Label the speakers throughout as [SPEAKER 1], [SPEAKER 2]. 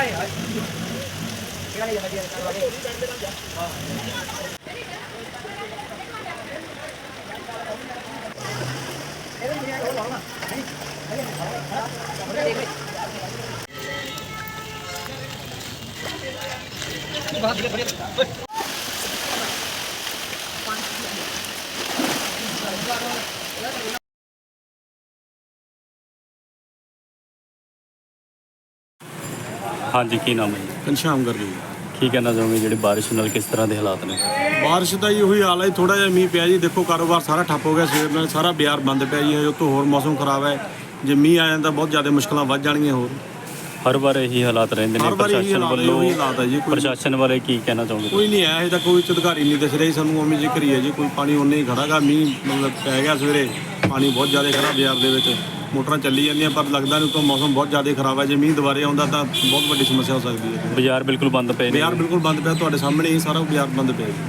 [SPEAKER 1] हाँ जी, की नाम है जी?
[SPEAKER 2] घनश्याम गर्ग जी।
[SPEAKER 1] की कहना चाहोगे जी बारिश नाल किस तरह के हालात ने?
[SPEAKER 2] बारिश का जी ਉਹੀ हाल है, थोड़ा जिहा मीह पिया जी। देखो कारोबार सारा ठप्प हो गया, सवेर ਨਾਲ सारा बाजार बंद पिया जी। उतों होर मौसम खराब है, जे मीह आ जाता बहुत ज़्यादा मुश्किलां वध जाणगीਆਂ होर।
[SPEAKER 1] हर बार यही हालात रहते हैं। प्रशासन वालों
[SPEAKER 2] है जी।
[SPEAKER 1] प्रशासन वाले की कहना चाहोगे?
[SPEAKER 2] कोई नहीं है, अजे तक कोई अधिकारी नहीं दिस रही सानू। उवें जिक्र ही है जी, कोई पानी उन्ने ही खड़ा गा। मीह मतलब पै गया सवेरे, पानी बहुत ज़्यादा खड़ा बाजार ਦੇ ਵਿੱਚ। मोटर चली जांदियां पर लगदा नहीं, तो मौसम बहुत ज़्यादा खराब है। जे मीह दुबारे आउंदा तां बहुत वड्डी समस्या हो सकती है।
[SPEAKER 1] बाजार बिल्कुल बंद पे?
[SPEAKER 2] बाजार बिल्कुल बंद पिया, तुहाडे सामने ही सारा बाजार बंद पिया जी।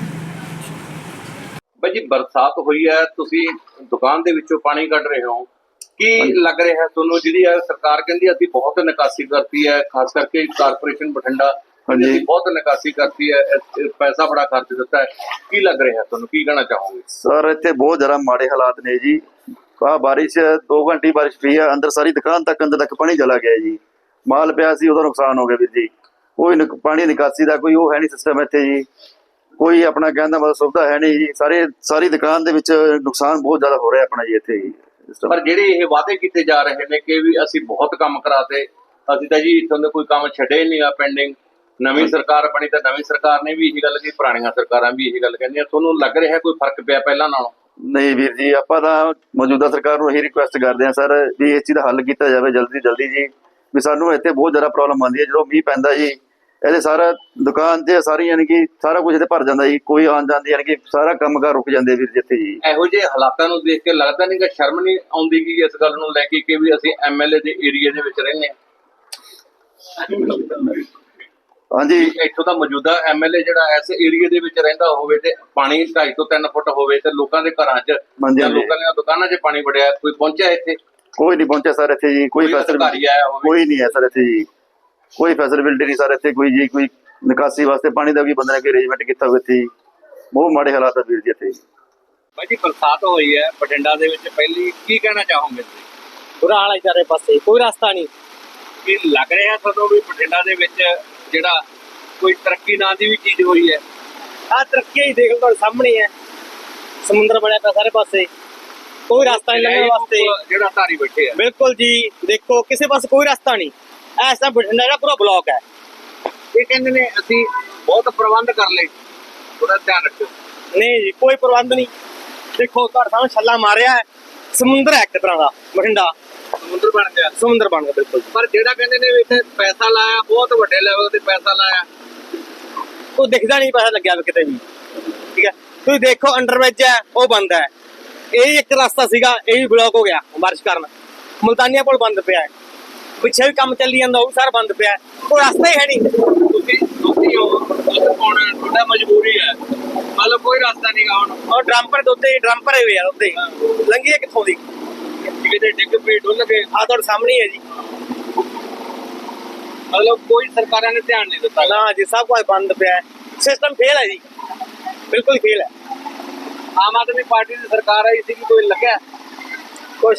[SPEAKER 3] भाई जी बरसात हुई है, तुसी दुकान दे विचों पानी कढ रहे हो, की लग रहा है तुहानू? जिहड़ी सरकार कहंदी असीं बहुत निकासी करती है, खास करके कारपोरेशन बठिंडा बहुत निकासी करती है, पैसा बड़ा खर्च दिता है, की लग रहा है तुहानू? की कहना चाहोगे?
[SPEAKER 4] सर इत्थे बहुत ज़्यादा माड़े हालात ने जी। बारिश 2 घंटे बारिश पई है, अंदर सारी दुकान तक अंदर तक पानी चला गया जी। माल पिया सी, उहदा नुकसान हो गया वीर जी। कोई पानी निकासी का कोई वो है नहीं सिस्टम इत्थे जी। कोई अपना कहने का मतलब सुविधा है नहीं जी। सारी दुकान दे विच नुकसान बहुत ज़्यादा हो रहा है अपना जी इत्थे जी।
[SPEAKER 3] पर ਜਿਹੜੇ ਇਹ ਵਾਅਦੇ ਕੀਤੇ ਜਾ ਰਹੇ ਨੇ ਕਿ ਵੀ ਅਸੀਂ ਬਹੁਤ ਕੰਮ ਕਰਾਤੇ, ਅਸੀਂ ਤਾਂ ਜੀ ਇੱਥੋਂ ਦੇ ਕੋਈ ਕੰਮ ਛੱਡੇ ਨਹੀਂ ਆ ਪੈਂਡਿੰਗ। ਨਵੀਂ ਸਰਕਾਰ ਬਣੀ ਤਾਂ ਨਵੀਂ ਸਰਕਾਰ ਨੇ ਵੀ ਇਹੀ ਗੱਲ ਕਹੀ, ਪੁਰਾਣੀਆਂ ਸਰਕਾਰਾਂ ਵੀ ਇਹੀ ਗੱਲ ਕਹਿੰਦੀਆਂ। ਤੁਹਾਨੂੰ ਲੱਗ ਰਿਹਾ ਕੋਈ ਫਰਕ ਪਿਆ ਪਹਿਲਾਂ ਨਾਲੋਂ?
[SPEAKER 4] नहीं वीर जी, ਆਪਾਂ ਤਾਂ ਮੌਜੂਦਾ ਸਰਕਾਰ ਨੂੰ ਇਹੀ ਰਿਕੁਐਸਟ ਕਰਦੇ ਹਾਂ ਸਰ ਵੀ ਇਸ ਚੀਜ਼ ਦਾ ਹੱਲ ਕੀਤਾ ਜਾਵੇ ਜਲਦੀ ਜੀ। ਵੀ ਸਾਨੂੰ ਇੱਥੇ ਬਹੁਤ ਜ਼ਿਆਦਾ ਪ੍ਰੋਬਲਮ ਆਉਂਦੀ ਹੈ ਜਦੋਂ ਮੀਂਹ ਪੈਂਦਾ ਜੀ। ਇਹਦੇ ਸਾਰਾ ਦੁਕਾਨ ਤੇ ਸਾਰੀ ਯਾਨੀ ਕਿ ਸਾਰਾ ਕੁਝ ਇੱਥੇ ਭਰ ਜਾਂਦਾ ਜੀ। ਕੋਈ ਆਉਣ ਜਾਂਦੀ ਯਾਨੀ ਕਿ ਸਾਰਾ ਕੰਮਕਾਰ ਰੁਕ ਜਾਂਦੇ ਵੀਰ ਜੀ ਇੱਥੇ ਜੀ। ਇਹੋ
[SPEAKER 3] ਜਿਹੇ ਹਾਲਾਤਾਂ ਨੂੰ ਦੇਖ ਕੇ ਲੱਗਦਾ ਨਹੀਂ ਕਿ ਸ਼ਰਮ ਨਹੀਂ ਆਉਂਦੀ ਕਿ ਇਸ ਗੱਲ ਨੂੰ ਲੈ ਕੇ ਕਿ ਵੀ ਅਸੀਂ ਐਮਐਲਏ ਦੇ ਏਰੀਆ ਦੇ ਵਿੱਚ ਰਹਿੰਦੇ ਹਾਂ?
[SPEAKER 4] ਹਾਂਜੀ,
[SPEAKER 3] ਇੱਥੋਂ ਦਾ ਮੌਜੂਦਾ ਐਮਐਲਏ ਜਿਹੜਾ ਇਸ ਏਰੀਆ ਦੇ ਵਿੱਚ ਰਹਿੰਦਾ ਹੋਵੇ ਤੇ ਪਾਣੀ 2.5 ਤੋਂ 3 ਫੁੱਟ ਹੋਵੇ ਤੇ ਲੋਕਾਂ ਦੇ ਘਰਾਂ 'ਚ ਜਾਂ ਲੋਕਾਂ ਦੀਆਂ ਦੁਕਾਨਾਂ 'ਚ ਪਾਣੀ ਵੜਿਆ, ਕੋਈ ਪਹੁੰਚਿਆ ਇੱਥੇ?
[SPEAKER 4] ਕੋਈ ਨਹੀਂ ਪਹੁੰਚਿਆ ਸਰ ਇੱਥੇ ਜੀ। ਕੋਈ ਫੈਸਿਲਿਟੀ ਕੋਈ ਨਹੀਂ ਹੈ ਸਰ ਇੱਥੇ ਜੀ। ਕੋਈ ਫੈਸਿਲਿਟੀ ਨਹੀਂ ਸਰ ਇੱਥੇ ਕੋਈ ਜੀ। ਕੋਈ ਨਿਕਾਸੀ ਵਾਸਤੇ ਪਾਣੀ ਦਾ ਵੀ ਬੰਦੇ ਨੇ ਕੋਈ ਅਰੇਂਜਮੈਂਟ ਕੀਤਾ ਹੋਵੇ ਇੱਥੇ। ਬਹੁਤ ਮਾੜੇ ਹਾਲਾਤ ਆ ਵੀਰ ਜੀ ਇੱਥੇ।
[SPEAKER 3] ਭਾਈ ਜੀ ਬਰਸਾਤ ਹੋਈ ਹੈ ਬਠਿੰਡਾ ਦੇ ਵਿੱਚ, ਪਹਿਲੀ ਕੀ ਕਹਿਣਾ ਚਾਹੋਗੇ?
[SPEAKER 5] ਬੁਰਾ ਹਾਲ ਹੈ ਚਾਰੇ ਪਾਸੇ, ਕੋਈ ਰਸਤਾ ਨਹੀਂ।
[SPEAKER 3] ਕੀ ਲੱਗ ਰਿਹਾ ਤੁਹਾਨੂੰ ਵੀ ਬਠਿੰਡਾ ਦੇ ਵਿੱਚ ਜਿਹੜਾ ਕੋਈ ਤਰੱਕੀ ਨਾਂ ਦੀ ਵੀ ਚੀਜ਼ ਹੋਈ ਹੈ?
[SPEAKER 5] ਆਹ ਤਰੱਕੀ ਹੀ ਦੇਖ ਲਓ, ਤੁਹਾਡੇ ਸਾਹਮਣੇ ਹੈ। ਸਮੁੰਦਰ ਬਣਿਆ ਪਿਆ ਸਾਰੇ ਪਾਸੇ, ਕੋਈ ਰਸਤਾ ਨਹੀਂ ਲੰਘਣ ਵਾਸਤੇ।
[SPEAKER 3] ਜਿਹੜਾ ਧਾਰੀ ਬੈਠੇ ਆ
[SPEAKER 5] ਬਿਲਕੁਲ ਜੀ, ਦੇਖੋ ਕਿਸੇ ਪਾਸੇ ਕੋਈ ਰਸਤਾ ਨਹੀਂ। ਐਸਾ ਬਠਿੰਡਾ ਜਿਹੜਾ ਪੂਰਾ ਬਲੌਕ ਹੈ।
[SPEAKER 3] ਇਹ ਕਹਿੰਦੇ ਨੇ ਅਸੀਂ ਬਹੁਤ ਪ੍ਰਬੰਧ ਕਰ ਲਏ, ਥੋੜਾ ਧਿਆਨ ਰੱਖਿਓ।
[SPEAKER 5] ਨਹੀਂ ਜੀ, ਕੋਈ ਪ੍ਰਬੰਧ ਨਹੀਂ। ਦੇਖੋ ਤੁਹਾਡੇ ਸਾਹਮਣੇ ਛੱਲਾ ਮਾਰਿਆ ਹੈ, ਸਮੁੰਦਰ ਹੈ ਇੱਕ ਤਰ੍ਹਾਂ ਦਾ ਬਠਿੰਡਾ।
[SPEAKER 3] ਸਮੁੰਦਰ ਬਣ ਗਿਆ,
[SPEAKER 5] ਸਮੁੰਦਰ ਬਣ ਗਿਆ ਬਿਲਕੁਲ।
[SPEAKER 3] ਪਰ ਜਿਹੜਾ ਕਹਿੰਦੇ ਨੇ ਇੱਥੇ ਪੈਸਾ ਲਾਇਆ, ਬਹੁਤ ਵੱਡੇ ਲੈਵਲ ਤੇ ਪੈਸਾ ਲਾਇਆ,
[SPEAKER 5] ਕੋਈ ਦਿਖਦਾ ਨਹੀਂ ਪੈਸਾ ਲੱਗਿਆ ਕਿਤੇ ਵੀ। ਠੀਕ ਹੈ, ਤੁਸੀਂ ਦੇਖੋ ਅੰਡਰਬ੍ਰਿਜ ਹੈ ਉਹ ਬੰਦ ਹੈ। ਇਹ ਇੱਕ ਰਸਤਾ ਸੀਗਾ, ਇਹ ਵੀ ਬਲੌਕ ਹੋ ਗਿਆ ਬਾਰਿਸ਼ ਕਾਰਨ। ਮੁਲਤਾਨੀਆ ਪੁਲ ਬੰਦ ਪਿਆ ਹੈ, ਪਿੱਛੇ ਵੀ ਕੰਮ ਚੱਲੀ ਜਾਂਦਾ ਉਹ ਵੀ ਸਾਰਾ ਬੰਦ ਪਿਆ। ਕੋਈ ਰਸਤਾ ਹੀ ਹੈ ਨਹੀਂ।
[SPEAKER 3] ਤੁਸੀਂ ਹੋ ਤੁਹਾਡਾ ਮਜਬੂਰੀ ਹੈ, ਮਤਲਬ ਕੋਈ ਰਸਤਾ ਨਹੀਂਗਾ ਹੁਣ।
[SPEAKER 5] ਔਰ ਡਰੰਪਰ ਦੇ ਉੱਤੇ ਡਰਮ ਭਰੇ ਹੋਏ ਆ, ਉੱਤੇ ਲੰਘੀਏ ਕਿੱਥੋਂ ਦੀ?
[SPEAKER 3] ਕਿਤੇ ਡਿੱਗ ਪਈ ਡੁੱਲ ਗਏ।
[SPEAKER 5] ਆ ਤੁਹਾਡੇ ਸਾਹਮਣੇ ਹੈ ਜੀ।
[SPEAKER 3] ਮਤਲਬ ਕੋਈ ਸਰਕਾਰਾਂ ਨੇ ਧਿਆਨ ਨਹੀਂ ਦਿੱਤਾ
[SPEAKER 5] ਨਾ ਜੀ, ਸਭ ਕੁਝ ਬੰਦ ਪਿਆ। ਸਿਸਟਮ ਫੇਲ ਹੈ ਜੀ, ਬਿਲਕੁਲ ਫੇਲ ਹੈ।
[SPEAKER 3] ਆਮ ਆਦਮੀ ਪਾਰਟੀ ਦੀ ਸਰਕਾਰ ਆਈ ਸੀ, ਕੋਈ ਲੱਗਿਆ
[SPEAKER 5] ਕੁਛ?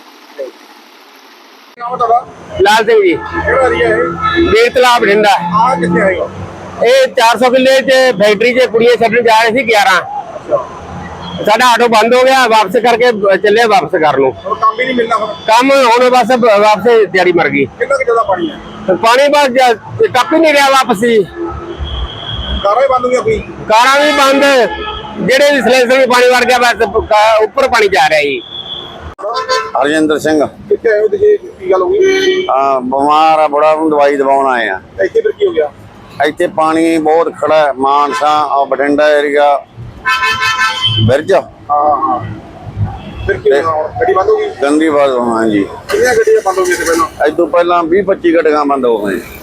[SPEAKER 6] ਲਾਲ ਸਿੰਘ ਜੀ, ਵੀਰ ਤਲਾਬ ਬਠਿੰਡਾ। ਇਹ 400 ਕਿੱਲੇ ਚ ਫੈਕਟਰੀ ਚ ਕੁੜੀਆਂ ਛੱਡਣ ਜਾ ਰਹੇ ਸੀ 11। ਸਾਡਾ ਆਟੋ ਬੰਦ ਹੋ ਗਿਆ, ਵਾਪਸ ਕਰਕੇ ਚੱਲੇ ਵਾਪਸ ਕਰ ਨੂੰ।
[SPEAKER 2] ਕੰਮ ਵੀ ਨਹੀਂ ਮਿਲਣਾ ਹੁਣ।
[SPEAKER 6] ਕੰਮ ਹੁਣ ਬਸ ਵਾਪਸ ਤਿਆਰੀ ਮਰ ਗਈ।
[SPEAKER 2] ਕਿੰਨਾ ਕਿ ਜ਼ਿਆਦਾ ਪਾਣੀ ਹੈ?
[SPEAKER 6] ਪਾਣੀ ਬਸ ਟੱਪ ਹੀ ਨਹੀਂ ਰਿਹਾ ਵਾਪਸ ਹੀ।
[SPEAKER 2] ਕਾਰਾਂ ਹੀ ਬੰਦ ਹੋ ਗਈਆਂ, ਕੋਈ
[SPEAKER 6] ਕਾਰਾਂ ਵੀ ਬੰਦ, ਜਿਹੜੇ ਵੀ ਸਿਲੈਂਡਰ ਵੀ ਪਾਣੀ ਵੜ ਗਿਆ, ਬਸ ਉੱਪਰ ਪਾਣੀ ਜਾ ਰਿਹਾ ਜੀ।
[SPEAKER 4] ਹਰਜਿੰਦਰ ਸਿੰਘ।
[SPEAKER 2] ਕਿੱਥੇ ਆਏ ਹੋ ਤੁਸੀਂ? ਕੀ ਗੱਲ ਹੋ ਗਈ?
[SPEAKER 4] ਬਿਮਾਰ ਆ ਬੜਾ, ਨੂੰ ਦਵਾਈ ਦਵਾਉਣ ਆਏ ਆ।
[SPEAKER 2] ਇੱਥੇ ਫਿਰ ਕੀ ਹੋ ਗਿਆ?
[SPEAKER 4] ਇੱਥੇ ਪਾਣੀ ਬਹੁਤ ਖੜਾ ਹੈ। ਮਾਨਸਾ ਬਠਿੰਡਾ ਏਰੀਆ ਬਿਰਜ।
[SPEAKER 2] ਹਾਂ ਫਿਰ ਕੀ ਹੋਣਾ? ਗੱਡੀ ਬੰਦ ਹੋ ਗਈ?
[SPEAKER 4] ਗੰਦੀ ਬਾਤ ਹੋਣਾ ਜੀ।
[SPEAKER 2] ਕਿੰਨੀਆਂ ਗੱਡੀਆਂ ਬੰਦ ਹੋ ਗਈਆਂ ਪਹਿਲਾਂ?
[SPEAKER 4] ਅੱਜ ਤੋਂ ਪਹਿਲਾਂ 20-25 ਗੱਡੀਆਂ ਬੰਦ ਹੋ ਗਈਆਂ।